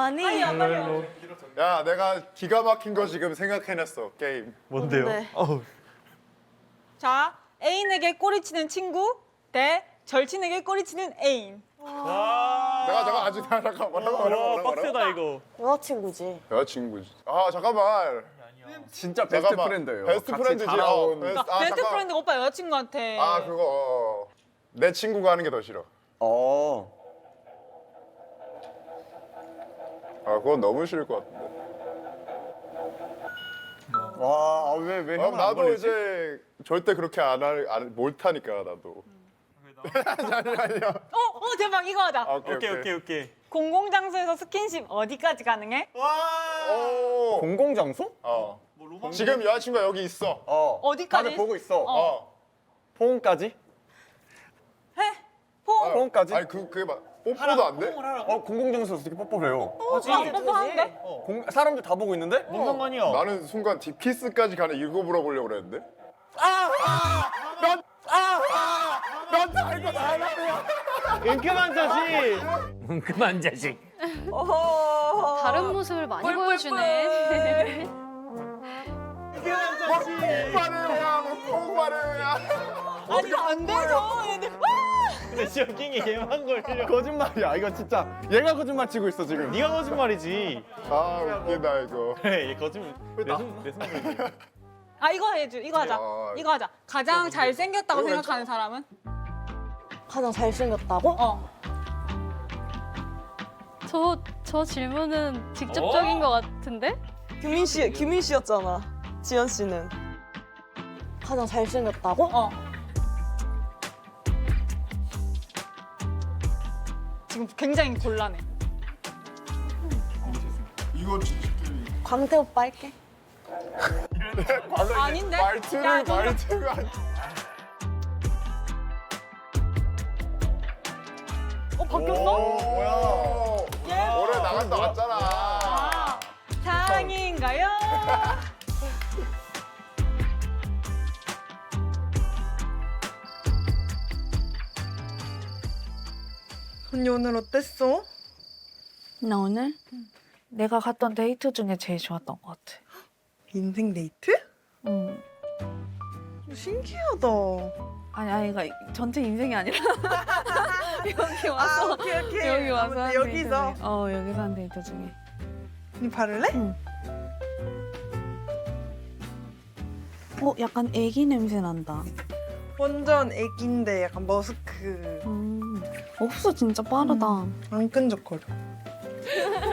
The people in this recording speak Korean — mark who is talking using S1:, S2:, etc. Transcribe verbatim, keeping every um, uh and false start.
S1: 아니.
S2: 야, 내가 기가 막힌 거 지금 생각해냈어, 게임.
S3: 뭔데요?
S1: 뭔데?
S3: 어우.
S4: 자, 애인에게 꼬리치는 친구 대 절친에게 꼬리치는 애인.
S3: 와.
S2: 내가 잠깐 아직 잠깐 뭐라고 뭐라고
S3: 와,
S2: 뭐라고
S3: 빡세다 이거.
S1: 여자친구지.
S2: 여자친구지. 아, 잠깐만.
S5: 진짜 베스트
S2: 잠깐만.
S5: 프렌드예요.
S2: 베스트
S5: 같이
S2: 프렌드지.
S5: 자라온.
S2: 어, 베스트,
S4: 아,
S2: 아,
S4: 베스트
S2: 잠깐.
S4: 프렌드가 오빠 여자친구한테.
S2: 아, 그거. 어. 내 친구가 하는 게 더 싫어.
S5: 어.
S2: 아, 그건 너무 싫을 것 같은데.
S5: 와, 왜, 왜
S2: 아,
S5: 형은 안
S2: 나도
S5: 걸리지?
S2: 이제 절대 그렇게 안 할, 안, 못하니까, 나도. 아니, 아니야.
S4: 어, 어, 대박, 이거 하자.
S2: 아, 오케이,
S3: 오케이 오케이 오케이.
S4: 공공장소에서 스킨십 어디까지 가능해?
S2: 오.
S5: 공공장소?
S2: 어. 지금 여자친구가 여기 있어.
S5: 어.
S4: 어디까지?
S5: 다들 보고 있어.
S2: 어.
S5: 포옹까지?
S4: 해? 포옹?
S2: 아,
S5: 포옹까지?
S2: 아니, 그, 그게 막, 뽀뽀도 안 돼?
S5: 어, 공공장소에서 어떻게 뽀뽀를 해요?
S4: 아, 뽀뽀하는데?
S5: 공, 사람들 다 보고 있는데?
S3: 뭔 상관이야?
S2: 나는 순간 디피스까지 가는 이거 물어보려고 그랬는데. 아! 아! 난, 아! 아! 난 알고 나라야.
S3: 은큼한 자식.
S6: 그만 자식.
S7: 다른 모습을 많이 보여주네.
S3: 은큼한 자식.
S2: 말해요야, 뭐 말해요야.
S4: 아니, 이거 안 되죠. 얘네.
S3: 근데 쇼킹이 얘만 걸려.
S5: 거짓말이야. 이거 진짜 얘가 거짓말 치고 있어 지금.
S3: 네가 거짓말이지.
S2: 아, 웃기다 이거.
S3: 그래, 얘 거짓말. 내손내 손.
S4: 아, 이거 해줘. 이거 하자.
S2: 야.
S4: 이거 하자. 가장 잘생겼다고
S2: 이거
S4: 생각하는 사람은?
S1: 가장 잘생겼다고?
S4: 어.
S7: 저, 저 질문은 직접적인 것 같은데?
S1: 규민 씨, 규민 씨였잖아. 지연 씨는. 가장 잘생겼다고?
S4: 어. 지금 굉장히 곤란해.
S2: 이거 진짜.
S1: 광태 오빠 할게.
S4: 아닌데?
S2: 말투를
S4: 야, 저-
S2: 말투가.
S4: 어, 바뀌었어?
S2: 뭐야?
S4: 예.
S2: 올해 나갔다 왔잖아.
S4: 아, 사랑인가요?
S8: 언니 오늘 어땠어?
S9: 나 오늘 내가 갔던 데이트 중에 제일 좋았던 것 같아.
S8: 인생 데이트?
S9: 응.
S8: 신기하다.
S9: 아니 아니 이거 전체 인생이 아니라 여기 와서
S8: 아, 오케이 오케이.
S9: 여기 와서
S8: 아무튼
S9: 한
S8: 여기서.
S9: 데이트 중에. 어 여기서 한 데이트 중에.
S8: 언니 바를래?
S9: 응. 어 약간 애기 냄새 난다.
S8: 완전 애기인데 약간 머스크.
S9: 음. 옥수 진짜 빠르다.
S8: 안 끈적거려.